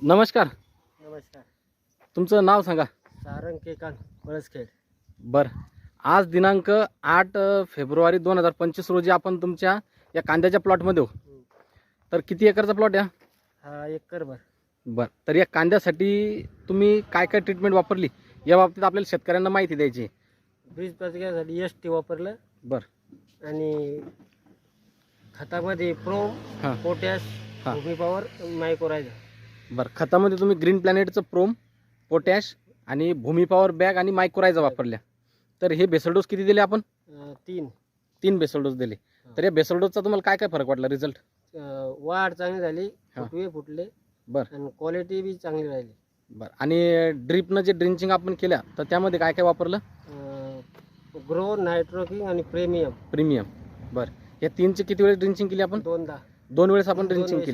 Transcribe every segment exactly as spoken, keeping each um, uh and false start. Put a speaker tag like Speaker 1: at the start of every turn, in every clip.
Speaker 1: नमस्कार.
Speaker 2: नमस्कार.
Speaker 1: तुमचं नाव सांगा.
Speaker 2: सारंग केकांत पळसखेड.
Speaker 1: बरं, आज दिनांक आठ फेब्रुवारी दोन हजार पंचवीस रोजी आपण तुमच्या या कांद्याच्या प्लॉटमध्ये हो. तर किती एकरचा प्लॉट आहे
Speaker 2: हा एकर भर.
Speaker 1: बरं, तर या कांद्यासाठी तुम्ही काय काय ट्रीटमेंट वापरली या बाबतीत आपल्याला शेतकऱ्यांना माहिती द्यायची.
Speaker 2: बीज पचण्यासाठी एस टी वापरलं
Speaker 1: बरं,
Speaker 2: आणि खतामध्ये प्रोम,
Speaker 1: हां
Speaker 2: पोटॅश,
Speaker 1: हां
Speaker 2: भूमी पॉवर, मायक्रोरायझर.
Speaker 1: बरं, खतामध्ये तुम्ही ग्रीन प्लॅनेटचं प्रोम, पोटॅश आणि भूमी पॉवर बॅग आणि मायक्रोरायझा वापरल्या. तर हे बेसल डोस किती दिले आपण?
Speaker 2: अं, तीन
Speaker 1: तीन बेसल डोस दिले. तर या बेसल डोसचा तुम्हाला काय काय फरक वाटला रिझल्ट?
Speaker 2: अं, वाढ चांगली झाली,
Speaker 1: हां.
Speaker 2: फुटवे फुटले
Speaker 1: बरं
Speaker 2: आणि क्वालिटी बी चांगली राहिली.
Speaker 1: बरं, आणि ड्रिपनं जे ड्रिंचिंग आपण केल्या तर त्यामध्ये काय काय वापरलं?
Speaker 2: ग्रो, नायट्रोकिंग आणि प्रीमियम.
Speaker 1: प्रीमियम. बरं, या तीनची किती वेळेस ड्रिंचिंग केली आपण?
Speaker 2: दोनदा.
Speaker 1: दोन वेळेस आपण
Speaker 2: दोन
Speaker 1: ड्रिंचिंग
Speaker 2: वेळेस.
Speaker 1: केली.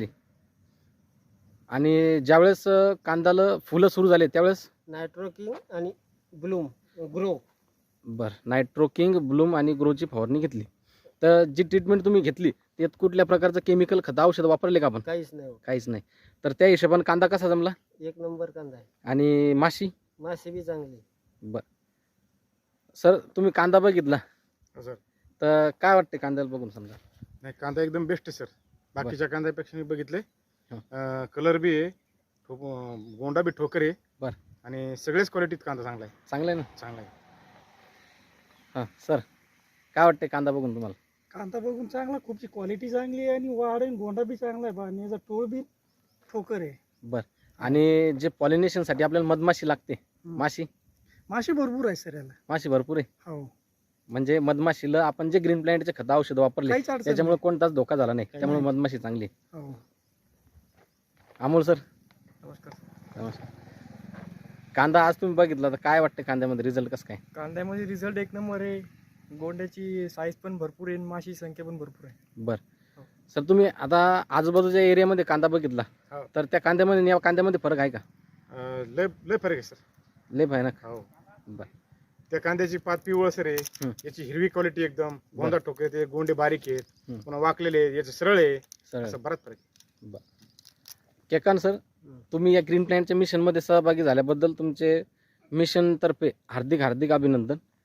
Speaker 1: आणि ज्यावेळेस अ, कांद्याला फुलं सुरू झाले त्यावेळेस?
Speaker 2: नायट्रोकिंग आणि ब्लूम ग्रो.
Speaker 1: बरं, नायट्रोकिंग, ब्लूम आणि ग्रोची फवारणी घेतली. तर जी ट्रीटमेंट तुम्ही घेतली त्यात कुठल्या प्रकारचं केमिकल खत औषध वापरले का आपण?
Speaker 2: काहीच नाही.
Speaker 1: काहीच नाही. तर त्या हिशोबाने कांदा कसा जमला?
Speaker 2: एक नंबर कांदा आहे.
Speaker 1: आणि माशी?
Speaker 2: मासे बी चांगली.
Speaker 1: बरं सर, तुम्ही कांदा बघितला
Speaker 3: हो सर.
Speaker 1: तर काय वाटते कांद्याला बघून? समजा
Speaker 3: नाही, कांदा एकदम बेस्ट आहे सर. बाकीच्या कांद्यापेक्षा मी बघितले.
Speaker 1: हं.
Speaker 3: कलर बी आहे, ठोक गोंडा बी ठोकर आहे.
Speaker 1: बरं.
Speaker 3: आणि सगळेच क्वालिटीत कांदा चांगला आहे.
Speaker 1: चांगलं आहे ना?
Speaker 3: चांगला आहे.
Speaker 1: हां सर, काय वाटते कांदा बघून तुम्हाला?
Speaker 4: कांदा बघून चांगला, खूपची क्वालिटी चांगली आहे आणि वाढ आणि गोंडा बी चांगला आहे. आणि याचा टोळ बी ठोकर आहे.
Speaker 1: बरं, आणि जे पॉलिनेशनसाठी आपल्याला मधमाशी लागते, माशी
Speaker 4: माशी भरपूर आहे सर याला.
Speaker 1: माशी भरपूर आहे.
Speaker 4: हो,
Speaker 1: म्हणजे मधमाशीला आपण जे ग्रीन प्लॅनेटचे खत औषध वापरले
Speaker 4: काहीच अडचण
Speaker 1: त्याच्यामुळे
Speaker 4: नाही.
Speaker 1: कोणताच धोका झाला नाही.
Speaker 4: काही
Speaker 1: त्यामुळे
Speaker 4: नाही.
Speaker 1: मधमाशी चांगली आहे.
Speaker 4: हो.
Speaker 1: अमोल सर,
Speaker 5: नमस्कार.
Speaker 1: नमस्कार. कांदा आज तुम्ही बघितला तर काय वाटतं कांद्यामध्ये रिझल्ट कसं काय?
Speaker 5: कांद्यामध्ये रिझल्ट एक नंबर आहे. गोंड्याची साईज पण भरपूर आहे आणि माशी संख्या पण भरपूर आहे.
Speaker 1: बरं
Speaker 5: हो.
Speaker 1: सर, तुम्ही आता आजूबाजूच्या एरियामध्ये कांदा बघितला
Speaker 3: हो.
Speaker 1: तर त्या कांद्यामध्ये आणि या कांद्यामध्ये फरक आहे का?
Speaker 3: अं, लय लय फरक आहे सर.
Speaker 1: लय भयानक.
Speaker 3: हो.
Speaker 1: बरं
Speaker 3: त्या कांद्याची पात पिवळसर आहे.
Speaker 1: हं.
Speaker 3: याची हिरवी क्वालिटी एकदम. गोंडा ठोकर आहे, ते गोंडे बारीक आहेत.
Speaker 1: हं.
Speaker 3: पुन्हा वाकलेले आहेत. याचे सरळ आहे.
Speaker 1: सर
Speaker 3: असं बराच फरक आहे.
Speaker 1: केकान सर, तुम्ही या ग्रीन प्लॅनेटच्या मिशनमध्ये सहभागी झाल्याबद्दल तुमचे मिशन तर्फे हार्दिक हार्दिक अभिनंदन.